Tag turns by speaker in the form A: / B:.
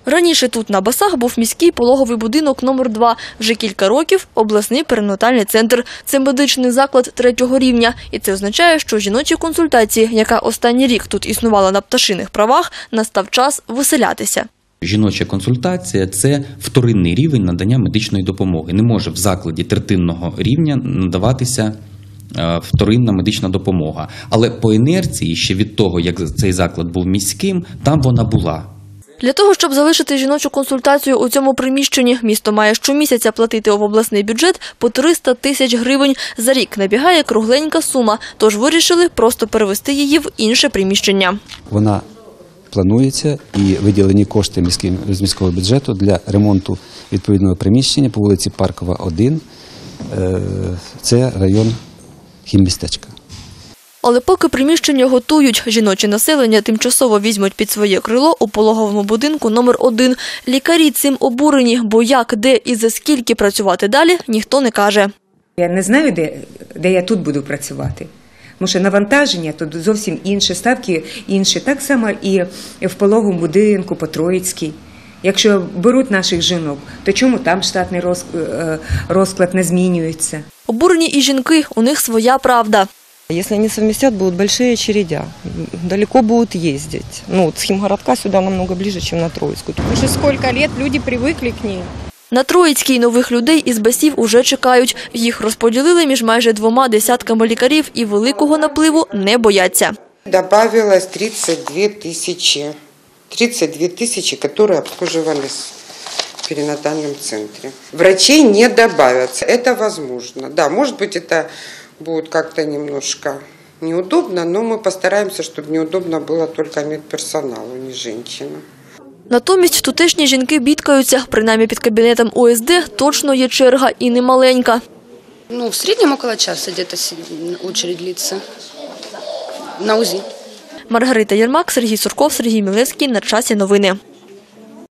A: Раніше тут на Басах був міський пологовий будинок номер 2. Вже кілька років – обласний перинатальний центр. Це медичний заклад 3-го рівня. І це означає, що жіночій консультації, яка останній рік тут існувала на пташиних правах, настав час виселятися.
B: Жіноча консультація – це вторинний рівень надання медичної допомоги. Не може в закладі третинного рівня надаватися вторинна медична допомога. Але по інерції, ще від того, як цей заклад був міським, там вона була.
A: Для того, щоб залишити жіночу консультацію у цьому приміщенні, місто має щомісяця платити в обласний бюджет по 300 тисяч гривень. За рік набігає кругленька сума, тож вирішили просто перевести її в інше приміщення.
C: Вона планується і виділені кошти з міського бюджету для ремонту відповідного приміщення по вулиці Паркова, 1. Це район хіммістечка.
A: Але поки приміщення готують, жіноче населення тимчасово візьмуть під своє крило у пологовому будинку номер 1. Лікарі цим обурені, бо як, де і за скільки працювати далі, ніхто не каже.
D: Я не знаю, де я тут буду працювати. Тому що навантаження тут зовсім інші, ставки інші. Так само і в пологовому будинку по Троїцькій. Якщо беруть наших жінок, то чому там штатний розклад не змінюється?
A: Обурені і жінки, у них своя правда.
E: Если они совместят, будут большие очередя, далеко будут ездить. С Химгородка сюда намного ближе, чем на Троицкую.
F: Уже сколько лет люди привыкли к ней.
A: На Троїцькій нових людей із Басів уже чекають. Їх розподілили між майже 2 десятками лікарів і великого напливу не бояться.
G: Добавилось 32 тысячи. 32 тысячи, которые обслуживались в перинатальном центре. Врачей не добавятся. Это возможно. Да, может быть, это будет как-то немножко неудобно, но мы постараемся, чтобы неудобно было только медперсоналу, не женщинам.
A: Натомість тутешні жінки бідкаються. Принаймні під кабінетом ОСД точно є черга і немаленька.
H: В среднем около часа где-то очередь длится на УЗИ.
A: Маргарита Єрмак, Сергій Сурков, Сергій Мілевський. На часі новини.